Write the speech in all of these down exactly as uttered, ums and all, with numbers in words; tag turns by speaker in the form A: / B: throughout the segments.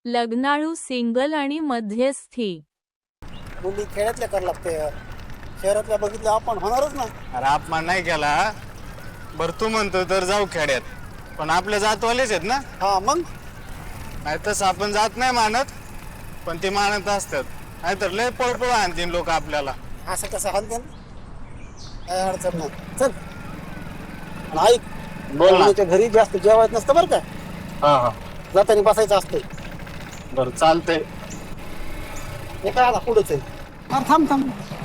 A: लग्नाळू single आणि मध्यस्थी.
B: मुली खेड्यातल्या कर लागते, शहरातल्या बघितलं आपण होणारच ना.
C: अरे अपमान नाही केला. बरं तू म्हणतो तर जाऊ खेड्यात, पण आपल्या जातवालेच आहेत ना.
B: हा मग
C: नाही तसं आपण जात नाही मानत, पण ते मानत असतात. नाहीतर लय पळपळ आणतील लोक आपल्याला.
B: असं कसं हानते काय अडचण नाही. चल आणि ऐक,
C: बोल ना.
B: मुलीच्या घरी जास्त जेवायचं नसतं बरं का,
C: हा हा
B: जाताना बसायचं असतंय.
C: बरं चालतंय.
B: हे काय आता पुढेच आहे. अरे थांब थांब,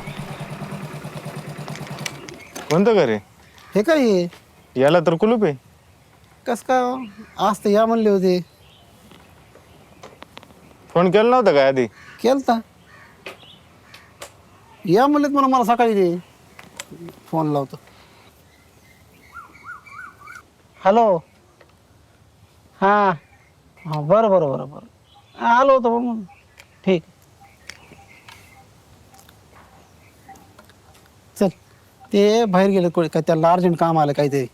C: कोणतं घर आहे?
B: हे काय आहे?
C: याला तर कुलूप आहे.
B: कस काय हो? आज तर या म्हणले होते.
C: फोन केला नव्हता काय आधी?
B: केलता, या म्हणलेत मला मला सकाळी दे, फोन लावतो. हॅलो, हां हां बरं बरं बरं बरं आलो होतो म्हणून. ठीक, चल. ते बाहेर गेले कोणी काय, त्याला अर्जंट काम आलं काहीतरी.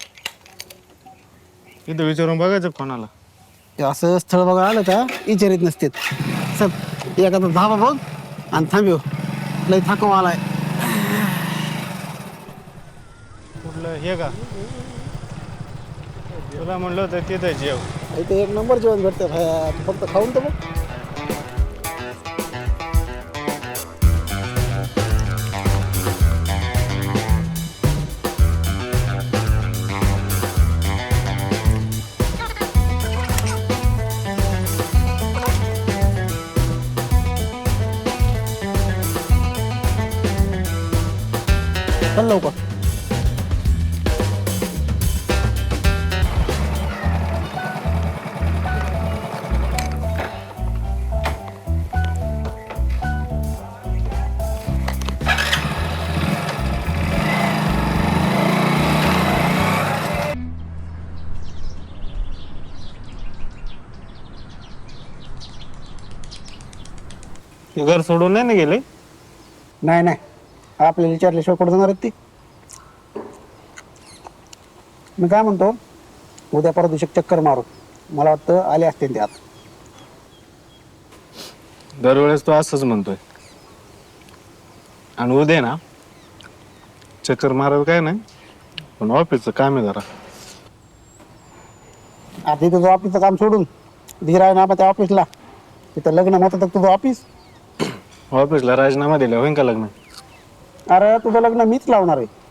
C: इथं विचारून बघायचं कोणाला.
B: ते असं स्थळ बघा आलं का विचारित नसते. चल एखादा धाबा बघ आणि थांबव, लय थकवा आलाय.
C: कुठलं हे का? तुला म्हणलं होतं तिथं जेव.
B: इथे एक नंबर जेवण भेटतं भाया, तू फक्त खाऊन तर बघ. चल लवकर.
C: ते घर सोडून नाही ना गेले?
B: नाही नाही, आपल्याला विचारल्याशिवाय कुठं जाणार आहेत ती. मी काय म्हणतो, उद्या परत दिवशी चक्कर मारू. मला वाटतं आले असतील ते आता.
C: दरवेळेस तो असंच म्हणतोय. आणि उद्या ना चक्कर मारायला काय नाही, पण ऑफिसचं काम आहे जरा.
B: आता तुझं ऑफिसचं काम सोडून धीरा ना त्या ऑफिसला, तिथं लग्न होतं तर तुझं ऑफिस.
C: ऑफिसला राजीनामा दिला होईन का लग्न?
B: अरे तुझं लग्न मीच लावणार आहे.